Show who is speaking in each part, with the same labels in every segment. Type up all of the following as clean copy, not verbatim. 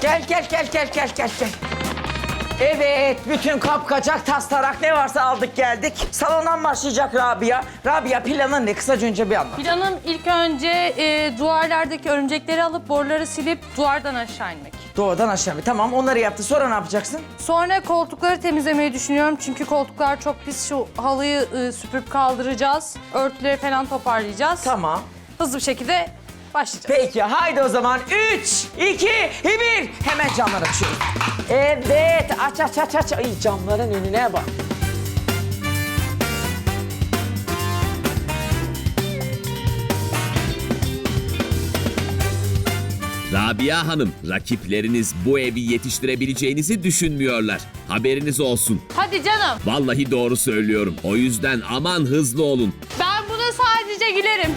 Speaker 1: Gel. Evet, bütün kapkacak, tas tarak ne varsa aldık geldik. Salondan başlayacak Rabia. Rabia, planın ne? Kısaca önce bir anlat.
Speaker 2: Planım ilk önce duvarlardaki örümcekleri alıp boruları silip duvardan aşağı inmek.
Speaker 1: Doğudan aşağı. Tamam, onları yaptı. Sonra ne yapacaksın?
Speaker 2: Sonra koltukları temizlemeyi düşünüyorum çünkü koltuklar çok pis. Şu halıyı süpürüp kaldıracağız. Örtüleri falan toparlayacağız.
Speaker 1: Tamam.
Speaker 2: Hızlı bir şekilde başlayacağız.
Speaker 1: Peki, haydi o zaman 3, 2, 1. Hemen camları açıyoruz. Evet, aç. Ay, camların önüne bak.
Speaker 3: Rabia Hanım, rakipleriniz bu evi yetiştirebileceğinizi düşünmüyorlar. Haberiniz olsun.
Speaker 2: Hadi canım.
Speaker 3: Vallahi doğru söylüyorum. O yüzden aman hızlı olun.
Speaker 2: Ben buna sadece gülerim.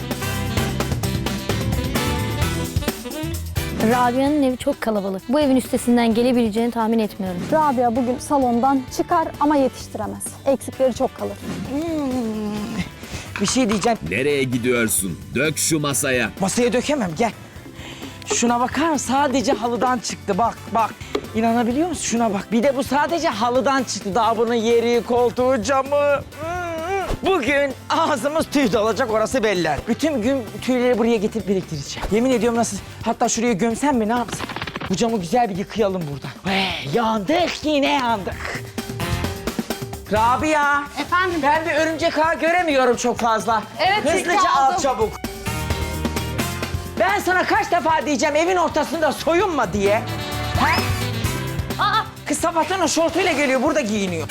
Speaker 4: Rabia'nın evi çok kalabalık. Bu evin üstesinden gelebileceğini tahmin etmiyorum.
Speaker 5: Rabia bugün salondan çıkar ama yetiştiremez. Eksikleri çok kalır.
Speaker 1: Bir şey diyeceğim.
Speaker 3: Nereye gidiyorsun? Dök şu masaya.
Speaker 1: Masaya dökemem, gel. Şuna bakar mısın? Sadece halıdan çıktı. Bak. İnanabiliyor musun? Şuna bak. Bir de bu sadece halıdan çıktı. Daha bunun yeri, koltuğu, camı. Bugün ağzımız tüy dolacak, orası belli. Bütün gün tüyleri buraya getirip biriktireceğim. Yemin ediyorum nasıl... Hatta şuraya gömsem mi, ne yapsam? Bu camı güzel bir yıkayalım buradan. Yandık, yine yandık. Rabia.
Speaker 2: Efendim?
Speaker 1: Ben bir örümcek ağı göremiyorum çok fazla.
Speaker 2: Evet, çünkü
Speaker 1: Hızlıca al
Speaker 2: aldım.
Speaker 1: çabuk. Ben sana kaç defa diyeceğim evin ortasında soyunma diye. He?
Speaker 2: Aa,
Speaker 1: Kız sabahtan o şortuyla geliyor, burada giyiniyor.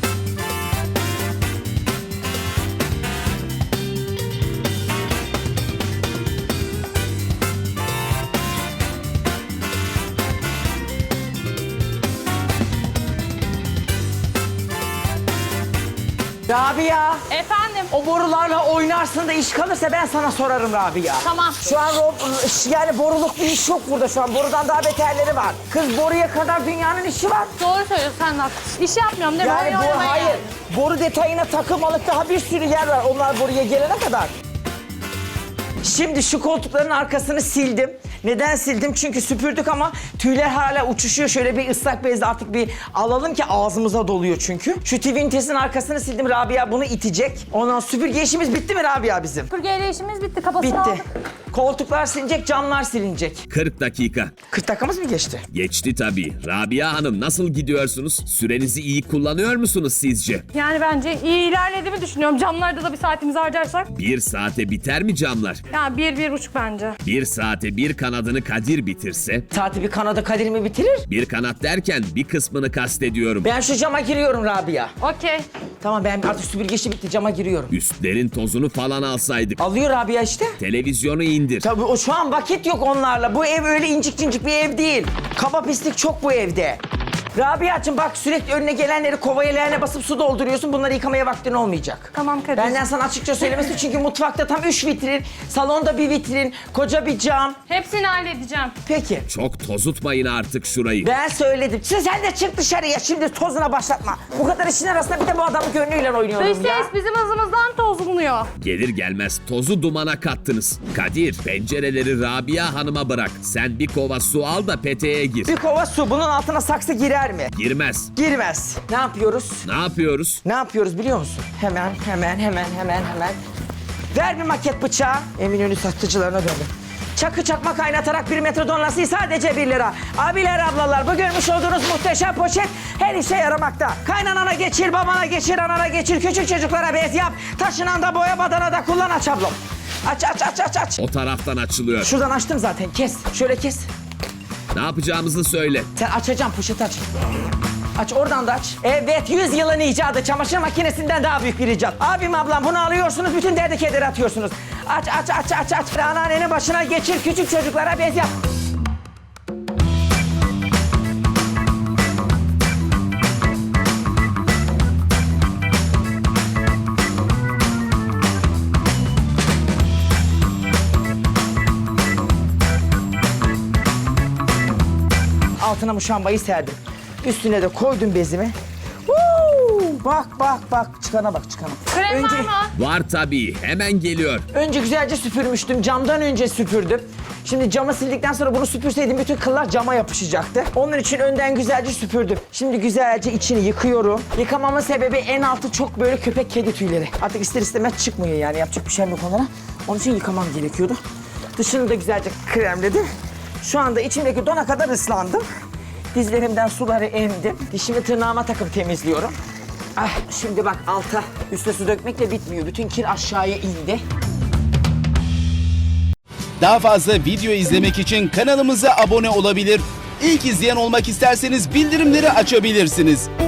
Speaker 1: Rabia,
Speaker 2: efendim.
Speaker 1: o borularla oynarsın da iş kalırsa ben sana sorarım Rabia.
Speaker 2: Tamam.
Speaker 1: Şu an yani boruluk bir iş yok burada şu an. Borudan daha beterleri var. Kız boruya kadar dünyanın işi var.
Speaker 2: Doğru söylüyorsun, sen de haklısın. İş yapmıyorum değil mi?
Speaker 1: Yani
Speaker 2: Oyun oynamaya
Speaker 1: hayır.
Speaker 2: geldim.
Speaker 1: Boru detayına takılmalık daha bir sürü yer var. Onlar buraya gelene kadar. Şimdi şu koltukların arkasını sildim. Neden sildim? Çünkü süpürdük ama tüyler hala uçuşuyor. Şöyle bir ıslak bezle artık bir alalım ki ağzımıza doluyor çünkü. Şu Twintes'in arkasını sildim. Rabia bunu itecek. Ondan süpürge işimiz bitti mi Rabia bizim?
Speaker 2: Süpürgeyle işimiz bitti. Kafasını
Speaker 1: Bitti.
Speaker 2: aldık.
Speaker 1: Koltuklar silinecek, camlar silinecek.
Speaker 3: 40 dakika.
Speaker 1: 40 dakikamız mı geçti?
Speaker 3: Geçti tabii. Rabia Hanım, nasıl gidiyorsunuz? Sürenizi iyi kullanıyor musunuz sizce?
Speaker 2: Yani bence iyi ilerlediğimi düşünüyorum. Camlarda da bir saatimizi harcarsak.
Speaker 3: 1 saate biter mi camlar?
Speaker 2: Yani 1-1,5 bence.
Speaker 3: 1 saate bir kanadını Kadir bitirse,
Speaker 1: Saati bir kanada Kadir mi bitirir?
Speaker 3: bir kanat derken bir kısmını kastediyorum.
Speaker 1: Ben şu cama giriyorum Rabia.
Speaker 2: Okey.
Speaker 1: Tamam, ben artık süpürge işi bitti, cama giriyorum.
Speaker 3: Üstlerin tozunu falan alsaydık.
Speaker 1: Alıyor Rabia işte.
Speaker 3: Televizyonu indir.
Speaker 1: Tabii o şu an vakit yok onlarla. Bu ev öyle incik cincik bir ev değil. Kaba pislik çok bu evde. Rabia'cığım bak, sürekli önüne gelenleri kovaya leğene basıp su dolduruyorsun. Bunları yıkamaya vaktin olmayacak.
Speaker 2: Tamam Kadir.
Speaker 1: Benden sana açıkça söylemesi çünkü mutfakta tam 3 vitrin, salonda bir vitrin, koca bir cam.
Speaker 2: Hepsini halledeceğim.
Speaker 1: Peki.
Speaker 3: Çok tozutmayın artık şurayı.
Speaker 1: Ben söyledim. Sen de çık dışarıya, şimdi tozuna başlatma. Bu kadar işin arasında bir de bu adamın gönlüyle oynuyorum
Speaker 2: Dış
Speaker 1: ya.
Speaker 2: ses bizim hızımızdan tozlanıyor.
Speaker 3: Gelir gelmez tozu dumana kattınız. Kadir, pencereleri Rabia Hanım'a bırak. Sen bir kova su al da peteğe gir.
Speaker 1: Bir kova su, bunun altına saksı girer mi?
Speaker 3: Girmez.
Speaker 1: Girmez. Ne yapıyoruz?
Speaker 3: Ne yapıyoruz?
Speaker 1: Ne yapıyoruz biliyor musun? Hemen. Ver bir maket bıçağı. Eminönü satıcılarına döndüm. Çakı çakma kaynatarak 1 metrodon lastiği sadece 1 lira. Abiler, ablalar, bu görmüş olduğunuz muhteşem poşet her işe yaramakta. Kaynanana geçir, babana geçir, anana geçir, küçük çocuklara bez yap. Taşınan da boya, badana da kullan, aç ablom. Aç.
Speaker 3: O taraftan açılıyor.
Speaker 1: Şuradan açtım zaten, kes. Şöyle kes.
Speaker 3: Ne yapacağımızı söyle.
Speaker 1: Sen açacağım, poşeti aç. Aç, oradan da aç. Evet, 100 yılın icadı. Çamaşır makinesinden daha büyük bir icat. Abim, ablam, bunu alıyorsunuz, bütün derdi kederi atıyorsunuz. Aç. Anneannenin başına geçir, küçük çocuklara bez yap. Altına muşambayı serdim. Üstüne de koydum bezimi. Bak. Çıkana bak.
Speaker 2: Krem var mı?
Speaker 3: Var tabii, hemen geliyor.
Speaker 1: Önce güzelce süpürmüştüm. Camdan önce süpürdüm. Şimdi camı sildikten sonra bunu süpürseydim bütün kıllar cama yapışacaktı. Onun için önden güzelce süpürdüm. Şimdi güzelce içini yıkıyorum. Yıkamamın sebebi en altı çok böyle köpek kedi tüyleri. Artık ister istemez çıkmıyor yani yapacak bir şey yok onlara. Onun için yıkamam gerekiyordu. Dışını da güzelce kremledim. Şu anda içimdeki dona kadar ıslandım. Dizlerimden suları emdim. Dişimi tırnağıma takıp temizliyorum. Ah, şimdi bak alta üste su dökmekle bitmiyor. Bütün kir aşağıya indi.
Speaker 6: Daha fazla video izlemek için kanalımıza abone olabilir. İlk izleyen olmak isterseniz bildirimleri açabilirsiniz.